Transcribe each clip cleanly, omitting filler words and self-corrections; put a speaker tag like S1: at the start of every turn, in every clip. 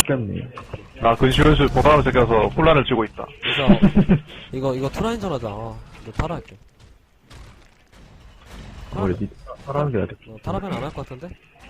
S1: 뺏겼네.
S2: 나 근시연수 보다는 새겨서 혼란을 치고 있다.
S3: 그래서 이거 투라인전 하자. 이거 타라 할게.
S1: 원래 니 타라는 게 낫겠다.
S3: 타라면 안 할 것 같은데?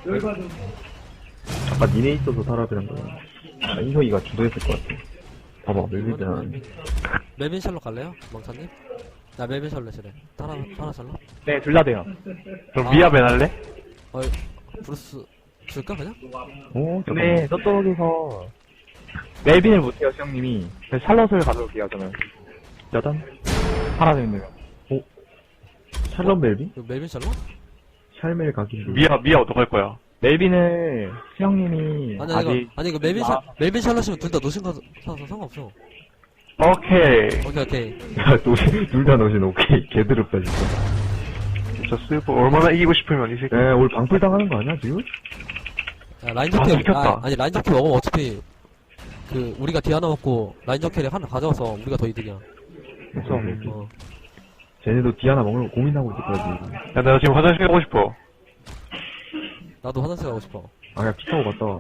S1: 아까 니네 있어서 타라비란 거야. 아, 인성이가 주도했을 것 같아. 봐봐, 멜비드는.
S3: 멜빈 샬롯 갈래요? 멍차님? 나 멜빈 샬롯 이래. 타라 샬롯?
S4: 네, 둘 다 돼요.
S2: 그럼 미아벤 할래?
S3: 브루스 줄까 그냥?
S1: 오,
S4: 근데 저쪽에서 멜빈을 못해요, 시영님이. 그래서 샬럿을 가져올게요, 저는.
S1: 짜잔.
S4: 하나 되는 거.
S1: 샬럿 멜비?
S3: 이거 멜빈 샬롯?
S1: 샬멜 가기.
S2: 미아 어떡할 거야?
S4: 멜빈을 시영님이
S3: 아니 이거 멜빈 샬롯이면 둘 다 노신 가서 상관없어.
S2: 오케이.
S3: 오케이.
S1: 야, 둘 다 넣으신 오케이. 개드럽다, 진짜.
S2: 진짜 슬퍼. 얼마나 이기고 싶으면 이 새끼.
S1: 에, 오늘 방풀 당하는 거 아니야, 지금?
S3: 야, 라인 적캐
S2: 시켰다.
S3: 아니 라인 적캐 먹으면 어차피 우리가 디아나 먹고 라인 적캐를 하나 가져와서 우리가 더 이득이야.
S1: 그래서, 쟤네도 디아나 먹는 거 고민하고 있을 거지.
S2: 야, 나 지금 화장실 가고 싶어.
S3: 나도 화장실 가고 싶어.
S1: 아, 야, 피 타고 갔다 와.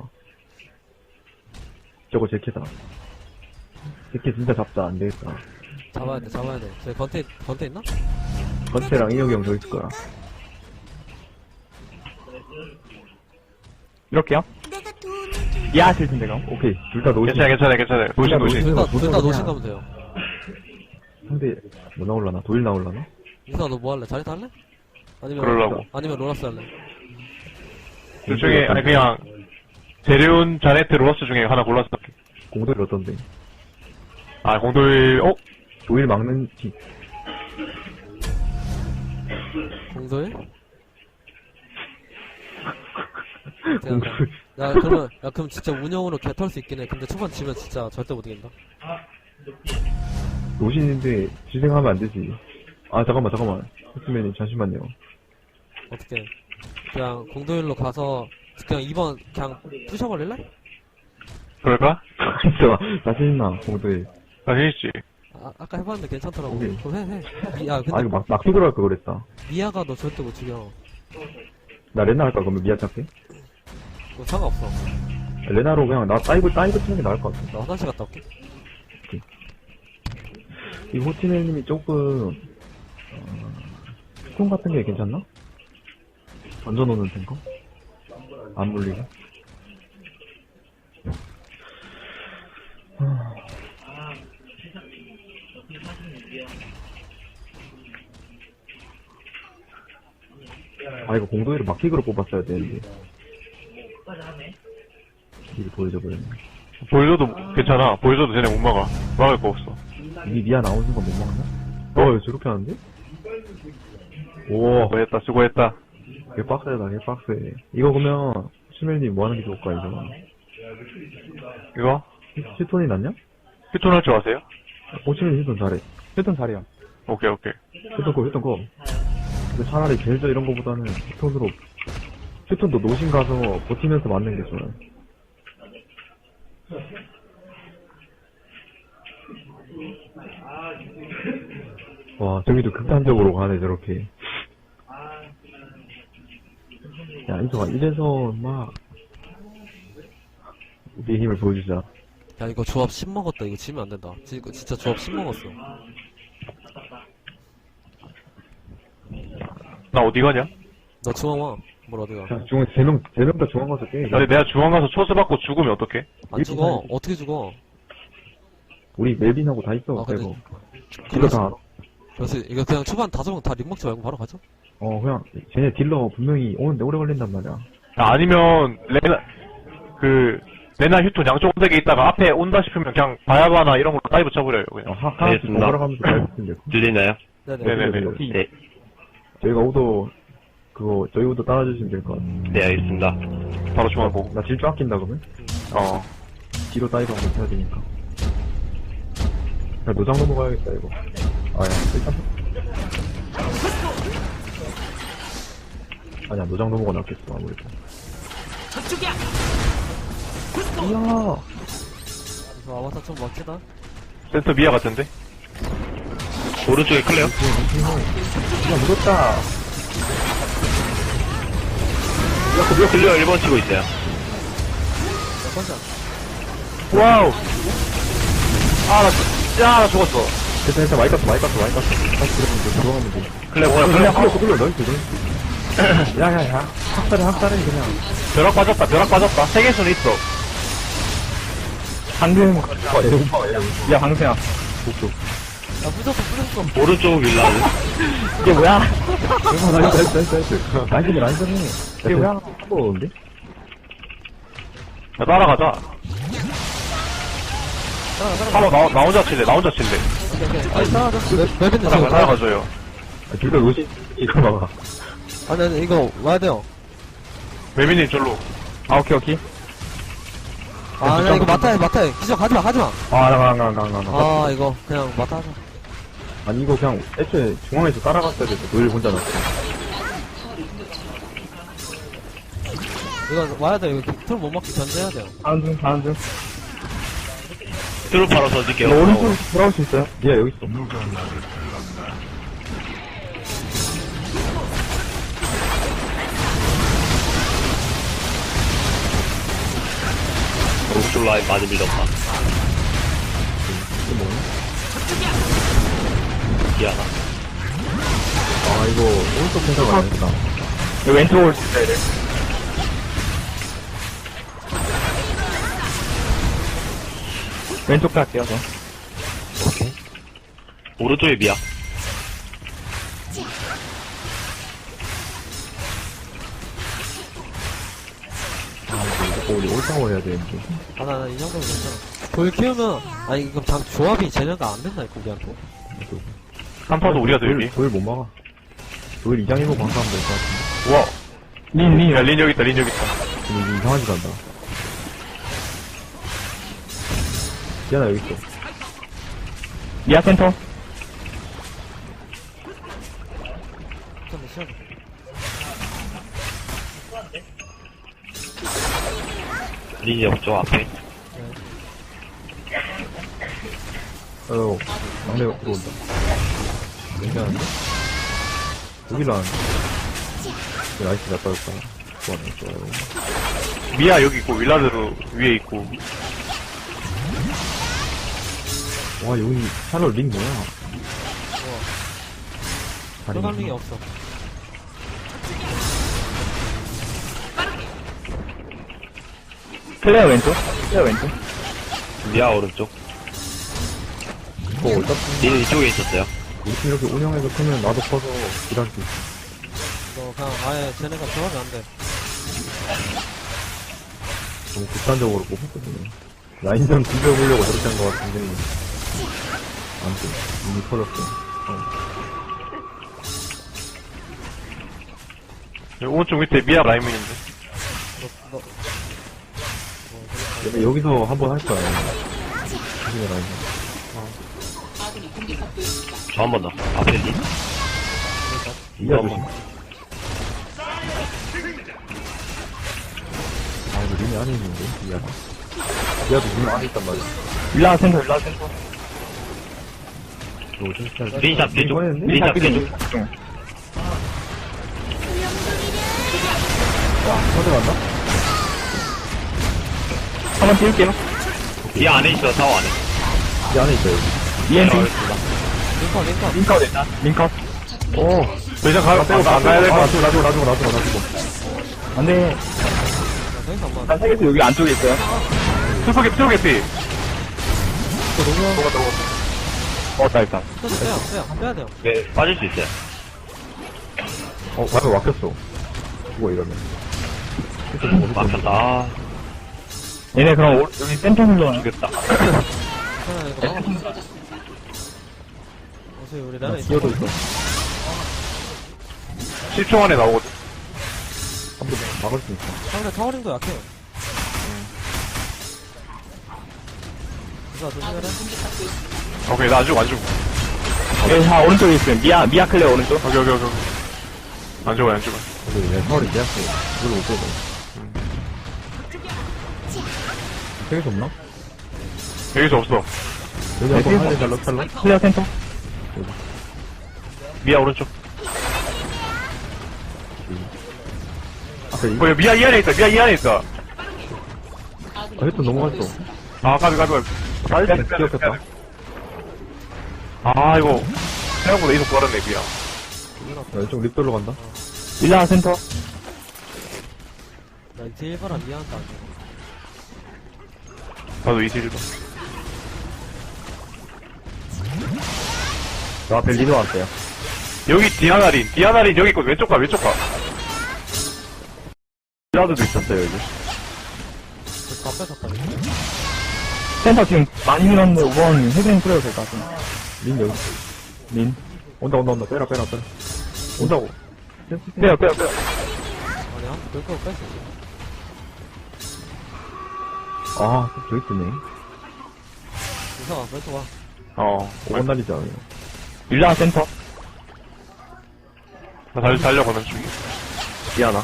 S1: 저거 제캐다. 제캐 진짜 잡자, 안 되겠다.
S3: 잡아야 돼. 저기 건태 있나?
S1: 건태랑 인혁이 형 더 있을 거야.
S4: 이렇게요? 이해하실 텐데, 그럼.
S1: 오케이, 둘 다 노신.
S2: 괜찮아. 노신.
S3: 둘 다
S1: 노신
S3: 노신 가면 돼요.
S1: 상대, 뭐 나올라나? 도일 나올라나?
S3: 이사 너 뭐 할래? 자리타 할래?
S2: 그러려고.
S3: 아니면 로라스 할래?
S2: 둘 중에, 아니, 그냥, 데려온 자네트 로러스 중에 하나 골랐어.
S1: 공도일 어떤데?
S2: 아, 공돌,
S1: 도일 막는 티.
S3: 공도일?
S1: 공도일.
S3: 그럼 진짜 운영으로 개 털 수 있긴 해. 근데 초반 지면 진짜 절대 못 이긴다.
S1: 노신인데, 지생하면 안 되지. 아, 잠깐만. het맨님, 잠시만요.
S3: 어떻게? 그냥 공도일로 가서 그냥 2번 그냥 부셔버릴래?
S2: 그럴까?
S1: 진짜, 자신 있나, 공도일.
S2: 자신 있지.
S3: 아까 해봤는데 괜찮더라고.
S1: 오케이.
S3: 그럼 해. 야, 근데
S1: 아, 이거 막 두드려 할걸 그랬다.
S3: 미아가 너 절대 못 죽여.
S1: 나 레나 할까, 그러면 미아 찾게?
S3: 그거 상관없어.
S1: 레나로 그냥 나 다이브 치는 게 나을 것 같아.
S3: 나 화장실 갔다 올게.
S1: 이 호티넬님이 조금, 스톤 같은 게 괜찮나? 던져놓는 탱커? 안 물리고. 아, 이거 공도일을 막킥으로 뽑았어야 되는데. 이게 보여줘버렸네.
S2: 보여줘도 괜찮아. 보여줘도 쟤네 못 막아. 막을 거 없어.
S1: 이 미아 나온 순간 못 막나? 왜 저렇게 하는데? 오,
S2: 수고했다.
S1: 개빡세다, 개빡세. 이거 그러면, 시멜님 뭐 하는 게 좋을까, 이거?
S2: 이거?
S1: 히톤이 낫냐?
S2: 휴톤 할 줄 아세요?
S1: 호치멜 히톤 잘해.
S4: 휴ton 잘해요.
S2: 오케이.
S1: 휴톤 거. 근데 차라리 벨저 이런 거보다는 휴톤으로, 휴톤도 노신 가서 버티면서 맞는 게 좋아요. 와, 저기도 극단적으로 가네, 저렇게. 야, 인성아, 이래서, 우리의 힘을 보여주자.
S3: 야, 이거 조합 10 먹었다. 이거 지면 안 된다. 이거 진짜 조합 10 먹었어.
S2: 나 어디 가냐?
S3: 너 중앙 와. 뭘 어디가?
S1: 자, 세 명 다 중앙 가서 깨.
S2: 아니, 내가 중앙 가서 초스 받고 죽으면 어떡해?
S3: 안 죽어. 어떻게 죽어?
S1: 우리 멜빈하고 다 있어,
S3: 아, 근데-
S1: 빼고. 딜러 다 알아.
S3: 그래서 이거 그냥 초반 5명 다 립 먹지 말고 바로 가죠?
S1: 그냥, 쟤네 딜러 분명히 오는데 오래 걸린단 말이야.
S2: 야, 아니면, 레나 휴톤 양쪽 ondeg에 있다가 앞에 온다 싶으면 그냥 바야바나 이런 걸로 다이브 쳐버려요, 그냥.
S1: 하나씩
S5: 알겠습니다.
S1: 번갈아 가면서 잘 붙으면 돼.
S5: 들리나요?
S2: 네네네.
S5: 네,
S1: 저희가 우도, 저희 우도 따라주시면 될 것 같아.
S5: 네, 알겠습니다.
S2: 바로 중앙 보고.
S1: 나 질주 아낀다, 그러면? 뒤로 다이브 한번 해야 되니까. 야, 노장 넘어가야겠다, 이거. 일단. 아니야, 노장 넘어가 낫겠어, 아무래도. 저쪽이야! 이야!
S3: 그래서 아바타 좀 멋지다.
S2: 센터 미아 같은데?
S5: 오른쪽에 클레어?
S1: 야, 묻었다!
S5: 클레어 1번 치고 있어요.
S3: 몇 번째?
S2: 와우. 나 죽었어.
S1: 됐다, 많이 깠어. 다시 들어가면 돼.
S2: 클레 뭐야,
S1: 그냥
S2: 클레.
S1: 끌려, 너희들. 야야야, 학살해 그냥.
S2: 벼락 빠졌다. 세계수는 있어.
S4: 방금,
S1: 야,
S4: 야, 방생아.
S3: 야, 부셨어.
S5: 오른쪽 윌라드.
S4: 이게 뭐야?
S1: 나이스. 이게 뭐야? 한번 오는데?
S2: 야, 따라가자. 한번 나 혼자 칠래.
S3: 오케이, 오케이. 아니, 따라가자. 맵인데 지금.
S2: 따라가줘요.
S1: 둘다 로시, 이거 봐봐.
S3: 아니, 이거 와야 돼요.
S2: 매미님 절로.
S4: 아, 오케이.
S3: 아, 나 이거 마타해. 기적 하지마.
S1: 가.
S3: 이거 그냥 마타 하자.
S1: 아니, 이거 그냥 애초에 중앙에서 따라갔어야 돼. 노일 혼자 났어.
S3: 이거 와야 돼. 이거 툴못 막기 견제해야 돼요.
S4: 다음 중.
S5: 트루 바로 던질게요.
S4: 너 오른쪽으로 돌아올 수 있어요?
S1: 니가 여기 있어.
S5: 오른쪽 라인 많이 밀렸다. 미안하.
S1: 아, 이거 오른쪽 생각 안 했다.
S4: 왼쪽으로 올 수 있어야 돼. 왼쪽 갈게요, 저.
S5: 오른쪽에 미야.
S1: 이거 우리 올타워 해야 되는데.
S3: 나 이 정도면 괜찮아. 돌 키우면, 아니, 이거 조합이 쟤네가 안 된다니까, 우리한테.
S2: 한파도 우리가 더 유리.
S1: 도일 못 막아. 도일 이장이고 방사하면 될 것 같은데.
S2: 우와.
S4: 린.
S2: 야, 린 여기 있다.
S1: 근데 이거 이상한 짓 한다. 디아나 여기 있어.
S4: 미아 센터.
S3: 좀 시작.
S5: 린 옆쪽 앞에.
S1: 막내가 들어온다. 괜찮은데? 여기로 하는데? 나이스 잘 빠졌다. 좋아요.
S2: 미야 여기 있고, 윌라드로 위에 있고.
S1: 와, 여기 샬롯 링 뭐야?
S3: 들어갈 링이 없어.
S4: 클레어 왼쪽.
S5: 미야 오른쪽.
S1: 이거 어차피
S5: 린 이쪽에 있었어요.
S1: 우리 팀 이렇게 운영해서 크면 나도 커서 일할 수 있어.
S3: 너 그냥 아예 쟤네가 조합이 안 돼.
S1: 너무 극단적으로 뽑혔거든요. 라인전 비벼보려고 저렇게 한 것 같은데. 아무튼, 이미 터졌어.
S2: 여기 오른쪽 밑에 미야 라인민인데.
S3: 너,
S1: 근데 여기서 한번 할 거야. 조심해, 라인전.
S5: 저 한 번 더. 앞에 린.
S1: 이야, 조심. 아, 이거 링이 안에 있는데? 이야가. 이야도 링 안에 있단 말이야.
S4: 일라 센터.
S1: 이거 진짜.
S5: 린샵 뒤쪽.
S1: 했는데?
S5: 린샵 뒤쪽.
S1: 터져갔나?
S4: 한번 띄울게요.
S5: 미야 안에 있어, 사워 안에.
S1: 이 안에 있어요.
S4: EMP.
S3: 링컨.
S4: 링컷 일단. 링컷.
S1: 오.
S2: 더 이상 안 가야 될 것 같아.
S1: 놔두고.
S4: 안 돼.
S3: 야, 더 이상 안 맞아.
S4: 난 세계수 여기 안쪽에 있어요.
S2: 트루 개피.
S4: 먹었다, 일단.
S3: 빼야 돼요.
S5: 네, 빠질 수 있어요.
S1: 와서 막혔어. 죽어, 이러면.
S5: 막혔다. 아,
S4: 얘네 그럼 여기 센터 흘러
S5: 죽였다.
S3: 괜찮아, 이거 막아. 어차피 우리 나라 있어.
S1: 기어도 있어.
S2: 10초 안에 나오거든.
S1: 한번 막을 수 있어.
S3: 상대 타워링도 약해요. 이거 조심해라.
S2: 오케이, 나 안 죽어.
S4: 여기 다 오른쪽에 있어요. 미아 클레어 오른쪽.
S2: 오케이. 안 죽어.
S1: 근데 내 서울이 계약서 이걸로 못 빼고. 세계수 없나?
S2: 여기서 없어.
S1: 여기 한번 할래, 잘라.
S4: 클레어 센터.
S2: 미야 오른쪽.
S1: 앞에 이거.
S2: 미야 이 안에 있다.
S1: 아, 헤드 넘어갔어.
S2: 아, 가비.
S1: 기억했다.
S2: 아, 이거. 생각보다 이속 빠르네, 그냥.
S1: 야, 이쪽 립돌로 간다.
S4: 일라 센터.
S3: 나 이제 1번아 미안하다.
S2: 나도 이질도.
S4: 저 앞에 리더 왔어요.
S2: 여기 디아나린 여기 있고, 왼쪽 가.
S4: 일라드도 있었어요, 여기.
S3: 다 뺏었다.
S4: 센터 지금 많이 밀었는데 5번 헤드링 뿌려도 될 것 같은데.
S1: 린 여기.
S4: 린.
S1: 온다. 빼라. 온다고.
S4: 빼요.
S3: 아니야? 그거 뺐어.
S1: 아, 저기 있네.
S3: 이상아, 뺏어 와.
S1: 5번 날리자.
S4: 일라 센터.
S2: 나 달려가는 중이야.
S4: 미안하.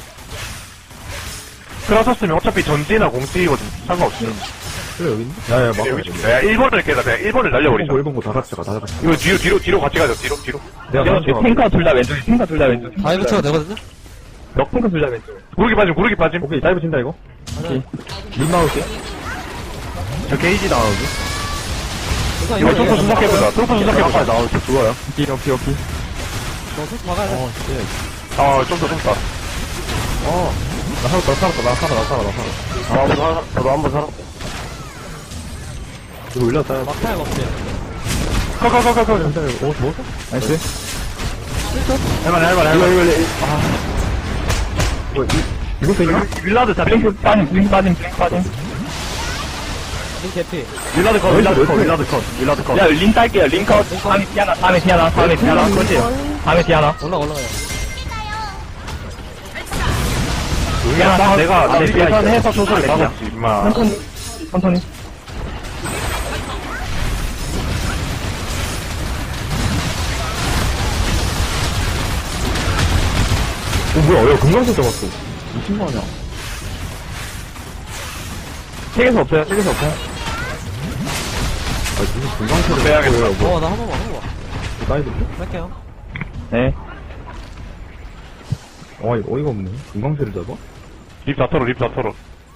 S2: 크라서스면 어차피 전지나 공찌거든. 상관없어.
S1: 그래, 여기 있네. 야, 막.
S2: 여기 좀. 야, 1번을 깨다. 그냥 1번을 날려버리자.
S1: 1번 거 다 같이 가.
S2: 이거 뒤로 같이 가자. 뒤로.
S1: 내가
S4: 야,
S1: 먼저
S4: 탱커 둘 다 왼쪽.
S3: 다이브 쳐도 되거든요?
S4: 럭탱커 둘 다 왼쪽.
S2: 구르기 빠짐.
S1: 오케이, 다이브 친다, 이거.
S3: 아니야.
S1: 린 나올게.
S4: 저 게이지 나오고.
S3: 이거
S2: 이거 트로프 수석해보자.
S1: 나올게. 좋아요.
S4: 오케이.
S3: 너 솔직히 막아야 돼.
S2: 좀 더.
S1: 나 살았다.
S4: 나도 한 번 살았어.
S1: 이거 올렸다.
S3: 막타야 먹지.
S2: 커.
S1: 먹었어?
S4: 나이스.
S2: 할만해.
S1: 이거 되냐?
S4: 윌라드 다 블링크 빠짐.
S3: 린 개피.
S4: 윌라드 컷. 야, 린 딸게요. 린 컷. 다음에 디아나. 그렇지. 다음에 디아나.
S3: 올라가요.
S2: 야, 내가
S4: 네,
S2: 계산해서 소설을 막았지, 임마.
S4: 천천히.
S1: 뭐야, 야, 금강석 잡았어. 미친 거 아니야?
S4: 책에서 없어요.
S1: 무슨 금강석을
S2: 빼야겠다.
S3: 나 한 번만.
S1: 나이도
S3: 뺄게요.
S4: 네.
S1: 이거 어이가 없네. 금강석을 잡아?
S2: 립 다 털어.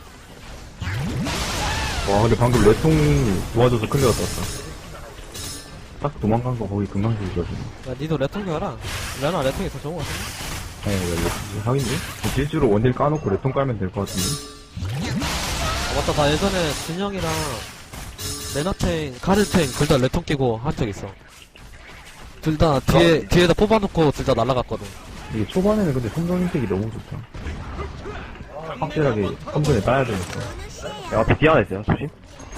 S1: 와, 근데 방금 레통이 도와줘서 클리어 떴다. 딱 도망간 거 거기 금강석이거든.
S3: 야, 니도 레통기 해라. 레나 레통이 더 좋은 거 같은데?
S1: 하긴데? 질주로 원딜 까놓고 레통 깔면 될 것 같은데?
S3: 맞다, 나 예전에 진영이랑 레나탱, 가르탱 둘 다 레통 끼고 한 적 있어. 둘 다 뒤에다 뽑아놓고 둘 다 날아갔거든.
S1: 이게 초반에는 근데 섬정 인색이 너무 좋다. 확실하게 섬정에 따야 되니까.
S4: 야, 앞에 디아나 있어요. 조심.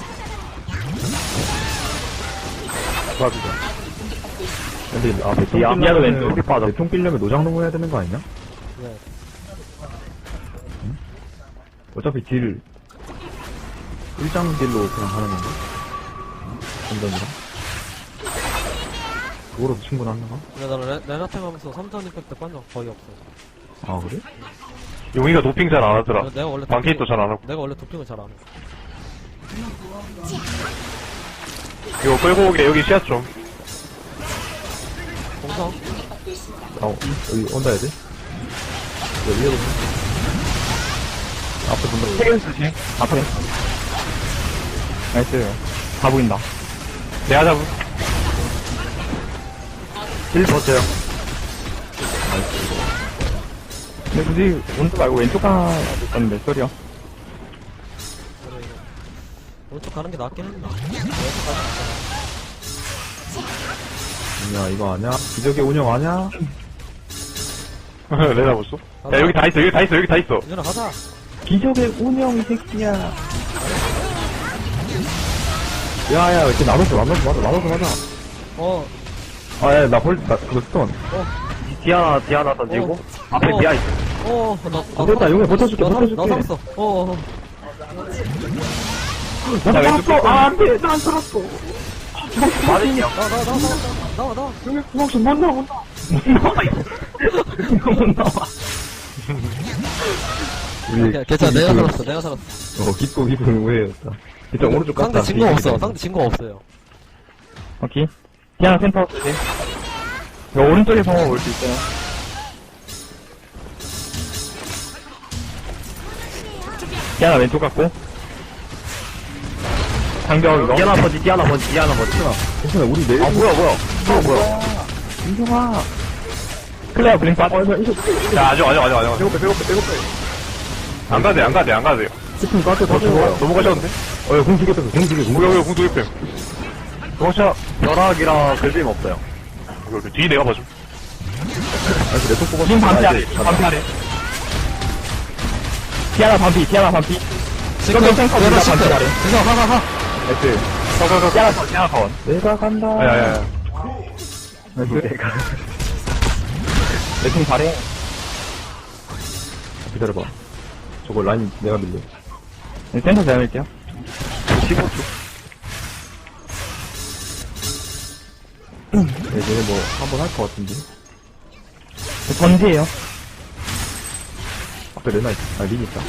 S1: 근데
S4: 미아도 왼쪽에 빠져.
S1: 레통 끼려면 노장농 해야 되는 거 아니냐?
S3: 네.
S1: 어차피 딜 일장 딜로 그냥 하는 건가? 점점이랑 그거로도 충분한가?
S3: 근데 나는 레나탱 하면서 3전 임팩트 빤적 거의 없어.
S1: 아 그래?
S2: 용이가 도핑 잘 안 하더라.
S3: 내가 원래
S2: 방케이도 잘 안 하고.
S3: 내가 원래 도핑을 잘 안 해.
S2: 이거 끌고 오게, 여기 씨앗 좀.
S3: 공성?
S1: 여기 온다 해야 돼? 여기 위에 보자. 앞에 본다고.
S4: 책에서 조심. 앞에. 나이스. 다 보인다.
S2: 내가 잡은.
S4: 1 버텨요. 근데 굳이 오른쪽 말고 왼쪽 가야 됐었는데, 소리야.
S3: 오른쪽 가는 게 낫긴 했는데.
S1: 야 이거 아냐? 기적의 운영 아냐?
S2: 내가 봤어? 야, 여기 다 있어.
S3: 이준아 가자.
S1: 기적의 운영 이 새끼야. 야야 이렇게 나눠서 맞아. 아야 나 그거 스톤.
S4: 디아나 던지고, 앞에 디아 있어.
S1: 됐다 용해 버텨줄게.
S3: 나 살았어.
S1: 나 살았어. 안돼 난 살았어.
S4: 맞으냐?
S3: 나와.
S1: 용해 구멍좀 못 나와. 우리
S3: 괜찮아, 내가 살았어.
S1: 깊고 깊은 우회였다. 일단 오른쪽 갔다.
S3: 상대 진거 없어. 상대 진거 없어요.
S4: 오케이. 디아나 센터 조심. 이거 오른쪽에서 올 수 있어요. 디아나 왼쪽 갔고. 장벽, 디아나 버지, 디아나 버지, 디아나 버지.
S1: 괜찮아, 우리 내일.
S4: 아, 뭐야.
S1: 인정아.
S4: 클레어 블링 빠져.
S2: 야, 아직.
S1: 배고파.
S2: 안 가도 돼요.
S1: 스푼 까져 다 죽어요.
S2: 넘어가셨는데?
S1: 공 두개 뺐어, 공 두 개.
S2: 공격이 공격이 뺨. 도망쳐.
S4: 벼락이랑 글빔 없어요.
S2: 여기 뒤 내가 봐줘.
S1: 아니, 내손 뽑았어.
S4: 님 반피 아래, 반피 아래. 디아나 반피.
S3: 지금
S4: 탱커
S3: 내가
S4: 반피
S3: 시켜.
S4: 아래.
S3: 그래서 가.
S2: 가가가.
S4: 디아나 건.
S1: 내가 간다.
S2: 야야야.
S1: 내가.
S4: 내팀 잘해.
S1: 기다려봐. 저거 라인 내가 밀려.
S4: 네, 센터 제가 밀게요. 15초.
S1: 네, 얘네 뭐, 한번 할 것 같은데.
S4: 번지에요.
S1: 앞에 레나 있다. 린 있다.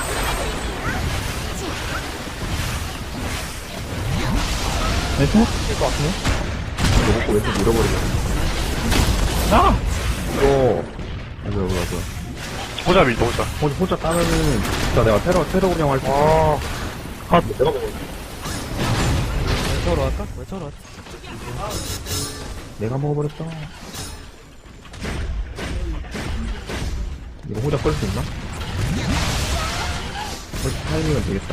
S4: 네, 센터 칠것 같은데?
S1: 이거 먹고 왼쪽 밀어버리자.
S4: 아!
S1: 이거. 뭐야.
S2: 호자 밀 호자.
S1: 혼자 따면은, 진짜 내가 테러 운영 할 수 있어. 내가 먹어.
S3: 왼쪽으로 갈까? 왼쪽으로 갈까?
S1: 내가 먹어버렸다. 이거 혼자 끌 수 있나? 타이밍은 되겠다.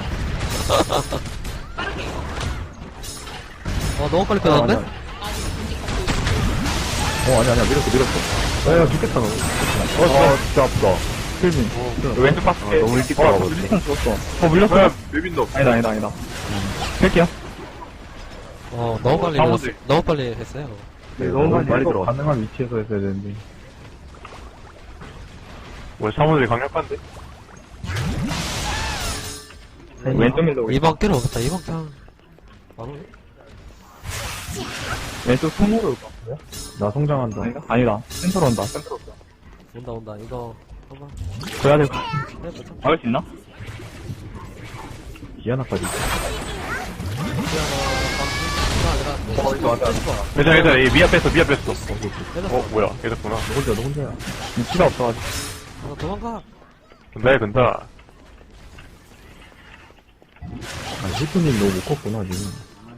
S3: 너무 빨리 끝났는데?
S1: 아니야. 밀었어. 야, 죽겠다, 너. 진짜 아프다. 필민.
S4: 왼쪽 박스.
S1: 너무 일찍 들어가거든.
S4: 물렸어, 죽었어. 물렸어요?
S2: 맵인도.
S4: 아니다. 뺄게요.
S3: 너무 빨리 했어요.
S1: 너무 빨리 들어가. 가능한 위치에서 했어야 되는데.
S2: 뭐 사무들이 강력한데?
S4: 왼쪽 밀로.
S3: 이번 끼를 오겠다. 이번 그냥 바로
S4: 왼쪽 손으로 올까?
S1: 나 성장한다.
S4: 아니다. 센터로 온다.
S3: 온다. 이거 한번
S4: 줘야 될 것 같아.
S3: 해보자.
S4: 막을 수 있나?
S1: 디아나까지.
S2: 괜찮아. 이 미아 뺐어. 뭐야. 얘됐구나.
S1: 너 혼자야.
S4: 위치가 없어가지고.
S3: 도망가.
S2: 근다.
S1: 히프님 너무 못 컸구나, 지금.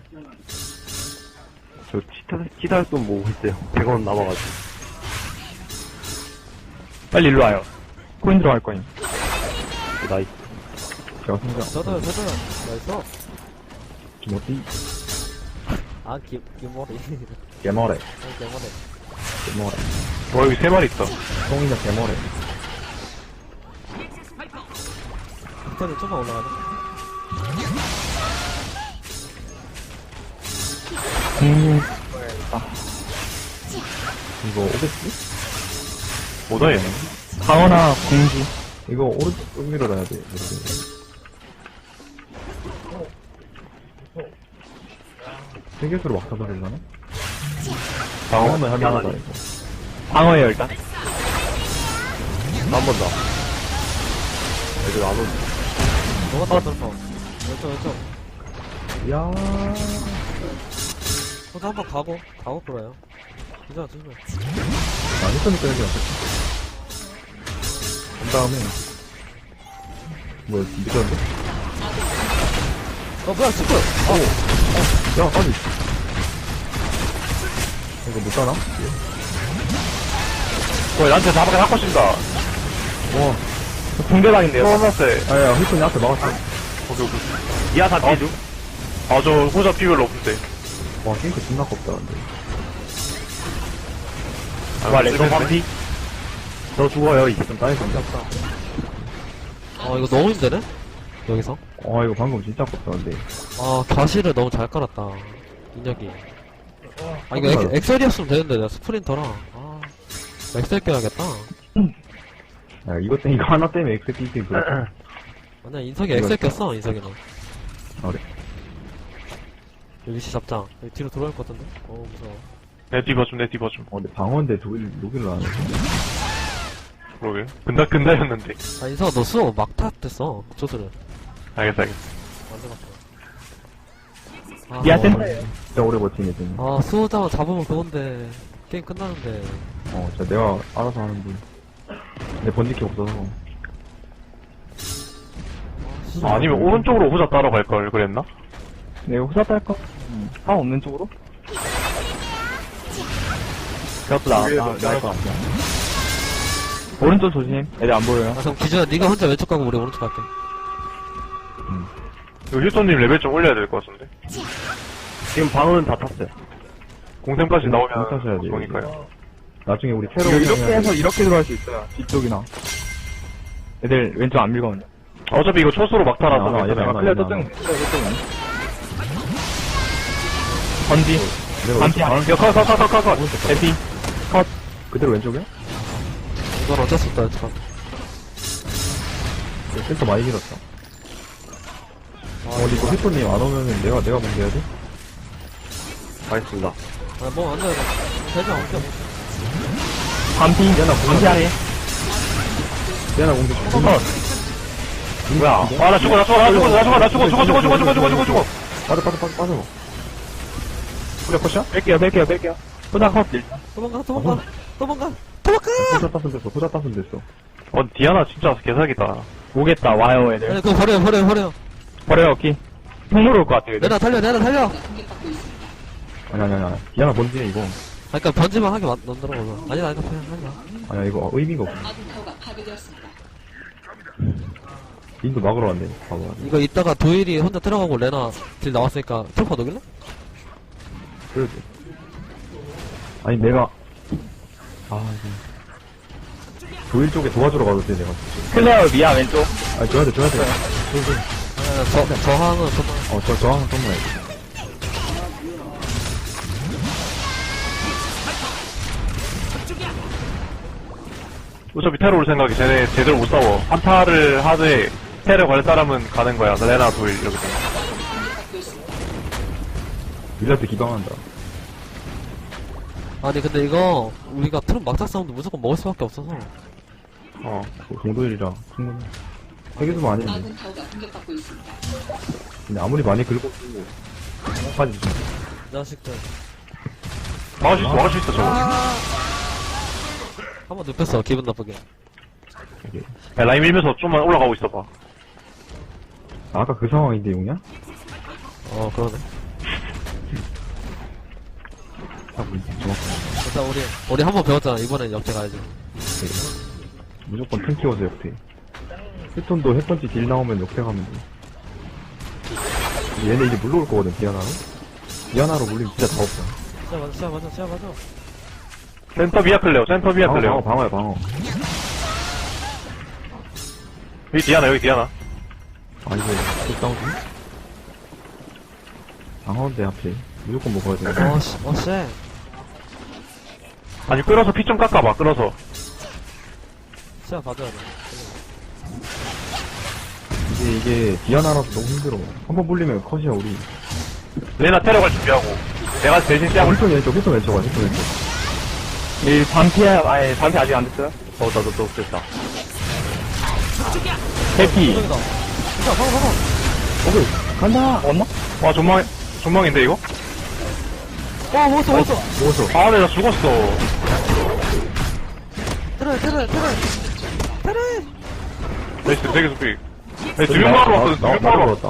S5: 저 치달돈 모으고 있어요. 100원 남아가지고.
S4: 빨리 일로 와요. 코인 들어갈 거임.
S5: 나이스.
S1: 제가 성장.
S3: 저도요. 나이스.
S1: 김어띠?
S3: 김머리.
S1: 개머래.
S3: 개머리.
S2: 여기 3마리 있다.
S1: 똥이냐, 개머래.
S3: 밑에는 좀만 올라가자.
S1: 이거 오겠지?
S2: 뭐다 얘.
S4: 강원아 공지.
S1: 이거 오른쪽 쭉 밀어놔야 돼. 이렇게. 세계수로 막 사버리려나? 방어만 하면 하다, 이거.
S4: 방어예요 일단.
S5: 한 번 더. 애들 안 오지.
S3: 너가 떨어졌어. 왼쪽.
S1: 이야.
S3: 혼자 한번 가고 끌어요. 괜찮아, 조심해.
S1: 히프니까 여기 왔겠다. 그 다음에. 뭐야, 늦었는데?
S3: 뭐야, 스프!
S1: 야, 빨리. 이거 못 따나?
S2: 나한테 사박에 할 것인다.
S1: 와.
S4: 붕대방인데요.
S2: 처음났어요.
S1: 아야, 히프니 앞에 막았어.
S2: 오케이.
S5: 이하 다 뒤죠?
S2: 저 호자 피 별로 없는데.
S1: 와, 싱크 존나 껍다, 근데.
S4: 와 렌터 반피.
S5: 저 죽어요, 이제.
S1: 좀 따이서.
S3: 이거 너무 힘드네? 여기서?
S1: 이거 방금 진짜 껍다, 근데.
S3: 가시를 너무 잘 깔았다. 인혁이. 이거 엑셀이었으면 되는데, 내가 스프린터랑. 엑셀 껴야겠다.
S1: 야, 이거 하나 때문에 엑스피지 그래.
S3: 아니야, 인석이 엑셀 꼈어, 인석이는.
S1: 그래.
S3: 여기 시 잡장. 여기 뒤로 돌아올 것 같은데? 무서워.
S2: 내 뒤봐 좀.
S1: 근데 방어인데 로기를 안 하네.
S2: 그러게. 근다였는데.
S3: 인석아, 너 수호 막 탔댔어, 조수를.
S2: 알겠어.
S3: 완전
S4: 미아
S3: 맞다.
S4: 센터예요.
S1: 진짜 오래 버티네, 지금.
S3: 수호자만 잡으면 그건데, 게임 끝나는데.
S1: 진짜 내가 알아서 하는 분. 근데 번지키 없어서.
S2: 아니면 오른쪽으로 호자 따라갈 걸 그랬나?
S4: 네, 후사 딸 거. 상황 없는 쪽으로? 그것도 나을 것 같아. 오른쪽 조심. 애들 안 보여요.
S3: 아, 그럼 기준아, 네가 혼자 왼쪽 가고 우리 오른쪽 갈게.
S2: 이거 휴톤님 레벨 좀 올려야 될 것 같은데.
S5: 지금 방어는 다 탔어요.
S2: 공템까지 나오면
S1: 못 타셔야 돼요.
S2: 좋으니까요.
S1: 나중에 우리 테러
S4: 이렇게 해서 이렇게 들어갈 수 있어요. 뒤쪽이나. 애들 왼쪽 안 밀거든요.
S2: 어차피 이거 초수로 막타라서
S1: 안 와,
S2: 괜찮아요.
S1: 얘네 안 와.
S4: 클리어 저쪽. 번지. 반피 안
S2: 야, 컷.
S4: 에피.
S1: 그대로 왼쪽이야?
S3: 이건 어쩔 수 없다, 왼쪽.
S1: 센터 많이 길었다. 근데 이거 휘토님 안 오면은 내가 먼저 해야 돼?
S5: 알겠습니다.
S3: 아, 뭐, 안 돼. 대장 없죠.
S4: 반피. 반피 아래.
S1: 대하나 공격 좀.
S2: 뭐야? 아, 나 죽어.
S1: 빠져. 그래, 컷이야?
S4: 뺄게요. 후사 컷.
S3: 도망가.
S1: 포자 땄으면 됐어.
S2: 디아나 진짜 개사기다.
S4: 오겠다, 와요, 애들.
S3: 아니, 그거 버려.
S4: 버려요, 오케이. 통로로 올 것 같아요, 애들.
S3: 내나 달려.
S1: 아니. 디아나 뭔지 이거.
S3: 아, 그니까 번지만 하게 만들어보자. 아니다, 그냥 하지 마.
S1: 아니야, 이거 의미가 없어. 인도 막으러 왔네. 봐봐.
S3: 이거 이따가 도일이 혼자 들어가고 레나 딜 나왔으니까 트루퍼 녹일래?
S1: 그래도. 아니, 내가. 이거. 도일 쪽에 도와주러 가도 돼, 내가.
S4: 클레어 미아 왼쪽.
S1: 아니, 줘야 돼.
S3: 저항은 정말.
S1: 저항은 정말.
S2: 어차피 테러 올 생각이 쟤네 제대로 못 싸워. 한타를 하되 테러 갈 사람은 가는 거야. 레나 도일 이렇게 되면.
S1: 밀라트 기방한다.
S3: 아니, 근데 이거, 우리가 트럭 막자 싸움도 무조건 먹을 수밖에 없어서.
S1: 동도일이라 충분해. 세계수만 아니는데. 근데 아무리 많이 긁어도 빠지지.
S3: 자식들.
S2: 막을 수 있어 저거.
S3: 한번 눕혔어, 기분 나쁘게.
S2: 야, 라인 밀면서 좀만 올라가고 있어봐.
S1: 아까 그 상황인데 용이야?
S3: 그러네. 일단 우리 한 번 배웠잖아. 이번엔 역제 가야지.
S1: 무조건 탱 키워서 역태. 휴톤도 핵펀치 딜 나오면 역태 가면 돼. 얘네 이제 물러올 거거든, 디아나로 물리면 진짜 다 없어.
S3: 시야 맞아.
S2: 센터 비아 클레어.
S1: 방어야.
S2: 여기 디아나.
S1: 이거, 싸우지? 방어인데, 앞에. 무조건 먹어야 돼.
S3: 쎄.
S2: 아니, 끌어서 피 좀 깎아봐, 끌어서.
S3: 시야 봐줘야 돼.
S1: 이게 디아나라서 너무 힘들어. 한 번 물리면 컷이야, 우리.
S2: 레나 테러 갈 준비하고. 내가 대신 짱을.
S1: 휴톤 왼쪽.
S4: 이 반피야, 반피 아직 안 됐어요?
S5: 나도 됐다.
S4: 해피.
S3: 저기다. 진짜, 봐봐.
S1: 오케이. 간다!
S4: 왔나?
S2: 와, 존망인데, 이거?
S3: 먹었어.
S1: 먹었어.
S2: 아, 나 죽었어.
S3: 테레.
S2: 나이스, 되게 스피. 두명 마로 왔어, 두명 마로 왔어.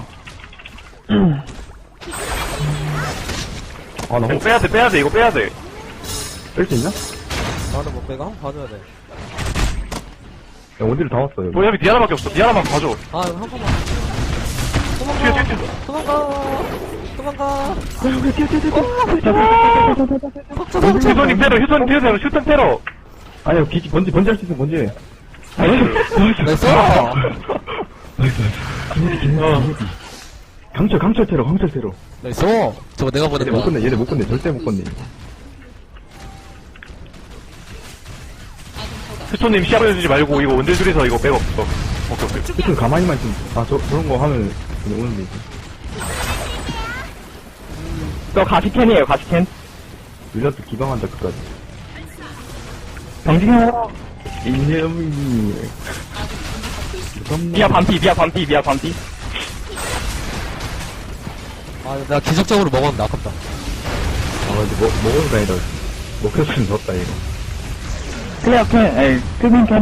S1: 아, 나
S2: 이거 빼야 돼, 이거 빼야 돼.
S1: 뺄 수 있나?
S3: 나는 못 빼가 한번 봐줘야 돼.
S1: 야, 원딜 다 왔어, 여기.
S2: 뭐, 여기 디아나밖에 없어. 디아나만 봐줘.
S3: 아, 이거 한 번만. 도망가.
S2: 휴톤님 테러.
S1: 아니야, 번지 할 수 있어, 번지.
S3: 나이스.
S1: 강철 테러.
S3: 나이스. 저거 내가 보낸 거야.
S1: 얘네 못 끝내, 절대 못 끝내.
S2: 휴톤님 시합 해주지 말고, 이거 원딜 둘이서 이거 백업. 오케이.
S1: 휴톤 가만히만 좀, 저런 거 하면 그냥 오는데, 이제.
S4: 저 가시캔이에요, 가시캔.
S1: 밀라트 기방한다, 끝까지.
S4: 정진해라.
S1: 인념이.
S4: 미아 반피.
S3: 아, 내가 기적적으로 먹었는데 아깝다.
S1: 근데 먹어도 다니다. 먹혔으면 졌다, 이거.
S4: 클레어 캔, 클빈 캔.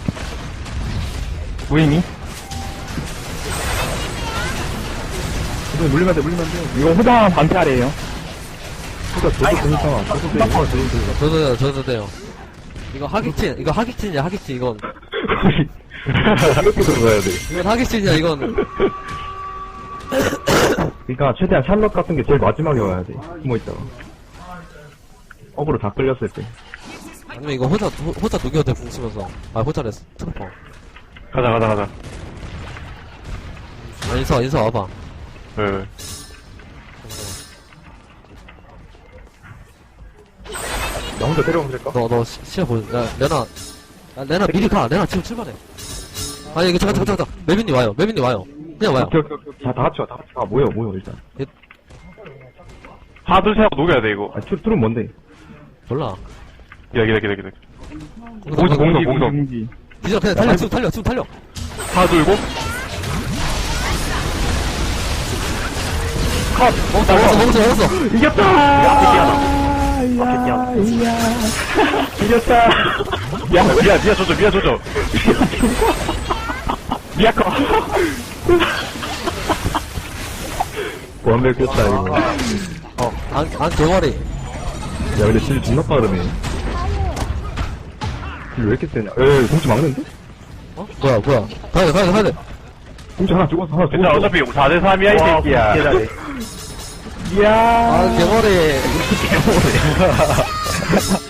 S4: 무의미.
S1: 물리면 돼, 물리면 돼.
S4: 이거 후방 반피아래요.
S1: 진짜 저도 되니까. 저도 돼, 저도 돼.
S3: 저도 돼요. 이거 하객진이야, 하객진, 이건.
S1: 이렇게 들어가야 돼.
S3: 이건 하객진이야, 이건.
S1: 그러니까 최대한 샬럿 같은 게 제일 마지막에 와야 돼. 숨어있다가. 어그로 다 끌렸을 때.
S3: 아니면 이거 호자 녹여대 붕치면서. 아, 호자래, 트루퍼.
S2: 가자.
S3: 아, 인사 와봐.
S2: 네.
S1: 나 혼자 데려오면 될까?
S3: 너 시야 보여. 야, 레나 미리 가. 레나 지금 출발해. 아니, 이거 잠깐. 매빈님 와요. 그냥 와요.
S1: 오케이. 자, 다 같이 와, 모여, 일단.
S2: 하나, 둘, 셋 하고 녹여야 돼, 이거.
S1: 아, 툴은 뭔데?
S3: 몰라.
S2: 기다려. 공성.
S3: 기절, 그냥 달려, 지금 달려.
S2: 하나, 둘, 고.
S3: 먹었어.
S4: 이겼다! 이겼다!
S2: 미야 조져.
S4: 미야커!
S1: 완벽했다, 이거.
S3: 안 개머리.
S1: 야, 근데 질 존나 빠르네. 질 왜 이렇게 세냐? 공주 막는데?
S3: 어? 뭐야. 가야 돼.
S1: 공주 하나 죽었어, 하나
S2: 괜찮아,
S1: 죽었어.
S2: 어차피 4대3이야, 이 새끼야.
S4: 이야!
S3: 아, 개머리.